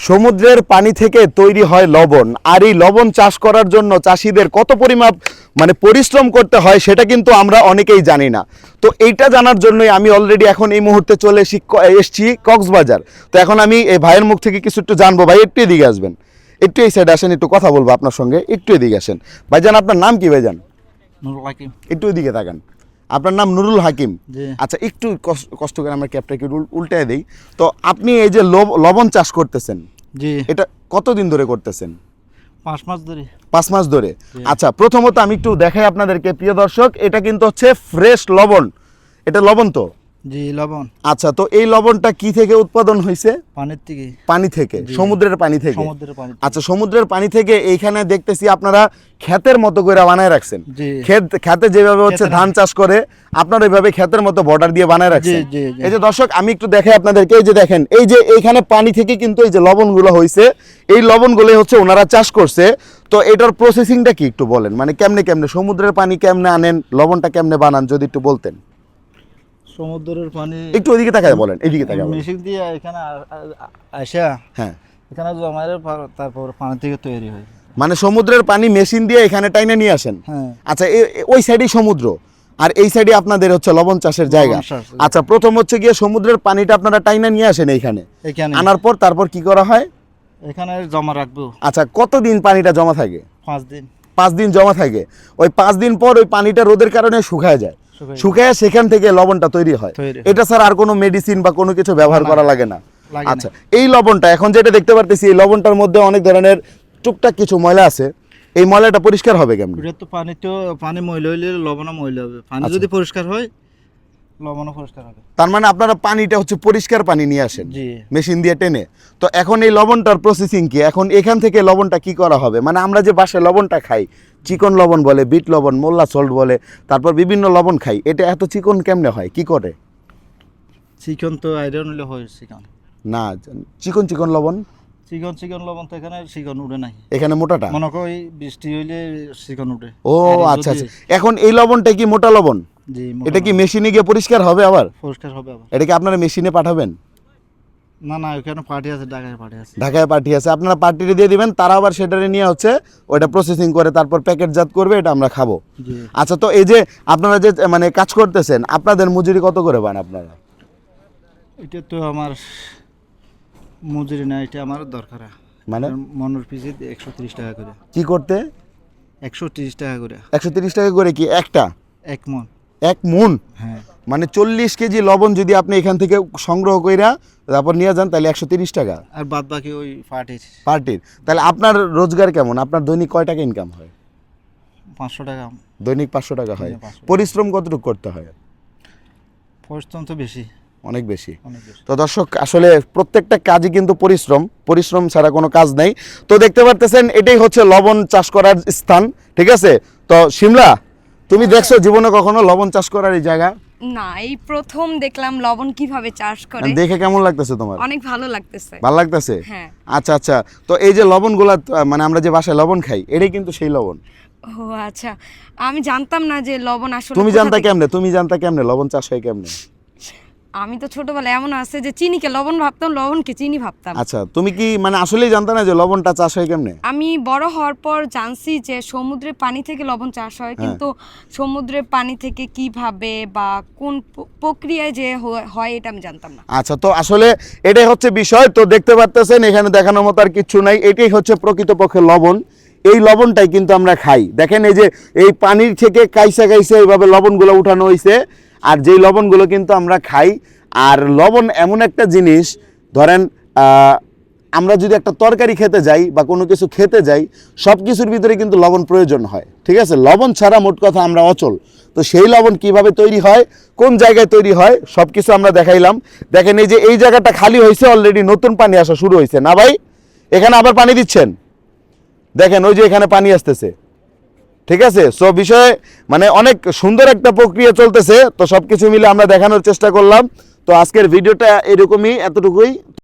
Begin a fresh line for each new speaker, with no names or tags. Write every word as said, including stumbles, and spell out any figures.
সমুদ্রের পানি থেকে তৈরি হয় লবণ, আর এই লবণ চাষ করার জন্য চাষিদের কত পরিমাপ মানে পরিশ্রম করতে হয় সেটা কিন্তু আমরা অনেকেই জানি না। তো এইটা জানার জন্যই আমি অলরেডি এখন এই মুহূর্তে চলে এসি এসছি কক্সবাজার। তো এখন আমি এই ভাইয়ের মুখ থেকে কিছু একটু জানবো। ভাই একটু এদিকে আসবেন, একটু এই সাইডে আসেন, একটু কথা বলবো আপনার সঙ্গে, একটু এদিকে আসেন। ভাইজান আপনার নাম কি ভাইজান?
নুরুল হাকিম।
একটু এদিকে তাকান। আপনার নাম নুরুল হাকিম।
জি।
আচ্ছা, একটু কষ্ট কষ্ট করে আমার ক্যাপটাকে উল্টায় দেই। তো আপনি এই যে লবণ চাষ করতেছেন,
জি,
এটা কতদিন ধরে করতেছেন?
পাঁচ মাস ধরে।
পাঁচ মাস ধরে।
জি।
আচ্ছা, প্রথমত আমি একটু দেখাই আপনাদেরকে প্রিয় দর্শক, এটা কিন্তু হচ্ছে ফ্রেশ লবণ। এটা লবণ তো?
জি, লবণ।
আচ্ছা, তো এই লবণটা কি থেকে উৎপাদন হয়েছে?
পানির থেকে।
পানি থেকে,
জি।
সমুদ্রের পানি থেকে।
সমুদ্রের পানি থেকে।
আচ্ছা, সমুদ্রের পানি থেকে এইখানে দেখতেছি আপনারা ক্ষেতের মতো করে বানায় রাখছেন।
জি।
ক্ষেত খেতে যেভাবে হচ্ছে
ক্ষেতের-
ধান চাষ করে আপনারা ওইভাবে ক্ষেতের মতো বর্ডার দিয়ে বানায় রাখছেন।
জি, জি, জি।
এই যে দর্শক, আমি একটু দেখাই আপনাদেরকে, এই যে দেখেন, এই যে এইখানে পানি থেকে কিন্তু এই যে লবণগুলো হয়েছে, এই লবণগুলো হচ্ছে ওনারা চাষ করছে। তো এটার প্রসেসিংটা কি একটু বলেন, মানে কেমনে কেমনে সমুদ্রের পানি কেমনে আনেন, লবণটা কেমনে বানান, যদি একটু বলতেন।
সমুদ্রের পানি
একটু ওইদিকে তাকায় বলেন, এইদিকে তাকায় বলেন।
মেশিন দিয়ে এখানে আ- আ- আসা
হ্যাঁ,
এখানে জমারে তারপর পানি থেকে তৈরি হয়।
মানে সমুদ্রের পানি মেশিন দিয়ে এখানে টাইনে নিয়ে আসেন।
হ্যাঁ।
আচ্ছা, এ- এ- ওই সাইডেই সমুদ্র, আর এই সাইডে আপনাদের হচ্ছে লবণ চাষের জায়গা।
লবণ চাষ।
আচ্ছা, প্রথম হচ্ছে গিয়ে সমুদ্রের পানিটা আপনারা টাইনে নিয়ে আসেন এইখানে,
এখানে
আনার পর তারপর কি করা হয়?
এখানে জমা রাখবো
আচ্ছা, কতদিন পানিটা জমা থাকে?
পাঁচ দিন।
পাঁচ দিন জমা থাকে। ওই পাঁচ দিন পর ওই পানিটা রোদের কারণে শুকায় যায়,
শুকায়
শুকায় সেখান থেকে লবণটা তৈরি হয়।
তৈরি হয়।
এটা স্যার আর কোনো মেডিসিন বা কোনো কিছু ব্যবহার
না,
করা লাগে না?
লাগে না।
আচ্ছা, এই লবণটা এখন যেটা দেখতে পারতেছি, এই লবণটার মধ্যে অনেক ধরনের টুকটাক কিছু ময়লা আছে, এই ময়লাটা পরিষ্কার হবে কেমন?
এটা তো পানি তো পানি ময়লা হইলে লবণও ময়লা হবে। পানি
আচ্ছা।
যদি পরিষ্কার হয় লবণও পরিষ্কার হবে।
তার মানে আপনারা পানিটা হচ্ছে পরিষ্কার পানি নিয়ে আসেন
জি।
মেশিন দিয়ে টেনে। তো এখন এই লবণটার প্রসেসিং কি? এখন এখান থেকে লবণটা কি করা হবে? মানে আমরা যে বাসায় লবণটা খাই, চিকন লবণ বলে, বিট লবণ, মোল্লা সল্ট বলে, তারপর বিভিন্ন লবণ খাই, এটা এত চিকন কেমনে হয়, কি করে?
চিকন তো আয়রন হলে হয় চিকন।
না, চিকন চিকন লবণ
চিকন চিকন লবণ তো এখানে চিকন উঠে নাই।
এখানে মোটাটা।
মনে করো এই বৃষ্টি হইলে চিকন উঠে।
ও
আর
আচ্ছা
যদি-
আচ্ছা, এখন এই লবণটা কি মোটা লবণ?
জি,
এটা কি
মোটামুটি
মেশিনে গিয়ে পরিষ্কার হবে আবার?
পরিষ্কার হবে আবার।
এটা কি আপনারা মেশিনে পাঠাবেন?
না না, ওখানে পার্টি আছে, ঢাকায় পার্টি আছে।
ঢাকায় পার্টি আছে, আপনারা পার্টিতে দিয়ে দিবেন, তারা আবার সেটারে নিয়ে হচ্ছে ওটা প্রসেসিং করে তারপর প্যাকেটজাত করবে, এটা আমরা খাবো।
জি।
আচ্ছা, তো এই যে আপনারা যে মানে কাজ করতেছেন, আপনাদের মজুরি কত করে পান আপনারা?
এটা তো আমার মজুরি না, এটা আমার দরকার।
মানে
মনের পিছে একশো তিরিশ টাকা করে।
কি করতে?
একশো তিরিশ টাকা করে
একশো তিরিশ টাকা করে কি একটা?
এক মন।
এক মন?
হ্যাঁ।
মানে চল্লিশ কেজি লবণ যদি আপনি এখান থেকে সংগ্রহ কইরা তারপর নিয়ে যান, তাহলে একশো তিরিশ টাকা
আর বাদ বাকি ওই পার্টির
পার্টির। তাহলে আপনার রোজগার কেমন? আপনার দৈনিক কয় টাকা ইনকাম হয়?
পাঁচশো টাকা।
দৈনিক পাঁচশো টাকা হয়।
হ্যাঁ, পাঁচশো।
পরিশ্রম কতটুকু করতে হয়?
পরিশ্রম তো বেশি,
অনেক বেশি।
অনেক বেশি।
তো দর্শক, আসলে প্রত্যেকটা কাজই কিন্তু পরিশ্রম, পরিশ্রম ছাড়া কোনো কাজ নাই। তো দেখতে পারতেছেন, এটাই হচ্ছে লবণ চাষ করার স্থান, ঠিক আছে? তো শিমলা, তুমি দেখছো জীবনে কখনো লবণ চাষ করার এই জায়গা?
না, এই প্রথম দেখলাম লবণ কিভাবে চাষ করে।
দেখে কেমন লাগতেছে তোমার?
অনেক ভালো লাগতেছে।
ভালো লাগতেছে?
হ্যাঁ।
আচ্ছা আচ্ছা, তো এই যে লবণগুলা মানে আমরা যে বাসায় লবণ খাই, এটাই কিন্তু সেই লবণ।
ও আচ্ছা, আমি জানতাম না যে লবণ আসলে
তুমি
কোথা
জানতা
থেকে-
কেমনে? তুমি জানতা কেমনে লবণ চাষ হয় কেমনে?
আমি তো ছোটবেলায় এমন আছে যে চিনিকে লবণ ভাবতাম, লবণকে চিনি ভাবতাম।
আচ্ছা, তুমি কি মানে আসলেই জানতা না যে লবণটা চাষ হয় কেমনে?
আমি বড় হওয়ার পর জানছি যে সমুদ্রের পানি থেকে লবণ চাষ হয়, কিন্তু সমুদ্রের পানি থেকে কিভাবে বা কোন প- প্রক্রিয়ায় যে হ- হয় এটা আমি জানতাম না।
আচ্ছা, তো আসলে এটাই হচ্ছে বিষয়। তো দেখতে পারতেছেন এখানে দেখানোর মতো আর কিচ্ছু নাই, এটাই হচ্ছে প্রকৃতপক্ষে লবণ। এই লবণটাই কিন্তু আমরা খাই। দেখেন, এই যে এই পানির থেকে কাইসা কাইসা এইভাবে লবণগুলো উঠানো হয়েছে, আর যেই লবণগুলো কিন্তু আমরা খাই। আর লবণ এমন একটা জিনিস, ধরেন আহ, আমরা যদি একটা তরকারি খেতে যাই বা কোনো কিছু খেতে যাই, সব কিছুর ভিতরে কিন্তু লবণ প্রয়োজন হয়, ঠিক আছে? লবণ ছাড়া মোট কথা আমরা অচল। তো সেই লবণ কিভাবে তৈরি হয়, কোন জায়গায় তৈরি হয়, সব কিছু আমরা দেখাইলাম। দেখেন, এই যে এই জায়গাটা খালি হয়েছে, অলরেডি নতুন পানি আসা শুরু হয়েছে না ভাই? এখানে আবার পানি দিচ্ছেন, দেখেন ওই যে এখানে পানি আসতেছে, ঠিক আছে? সো বিষয়ে মানে অনেক সুন্দর একটা প্রক্রিয়া চলতেছে। তো সব কিছু মিলে আমরা দেখানোর চেষ্টা করলাম। তো আজকের ভিডিওটা এরকমই, এতটুকুই।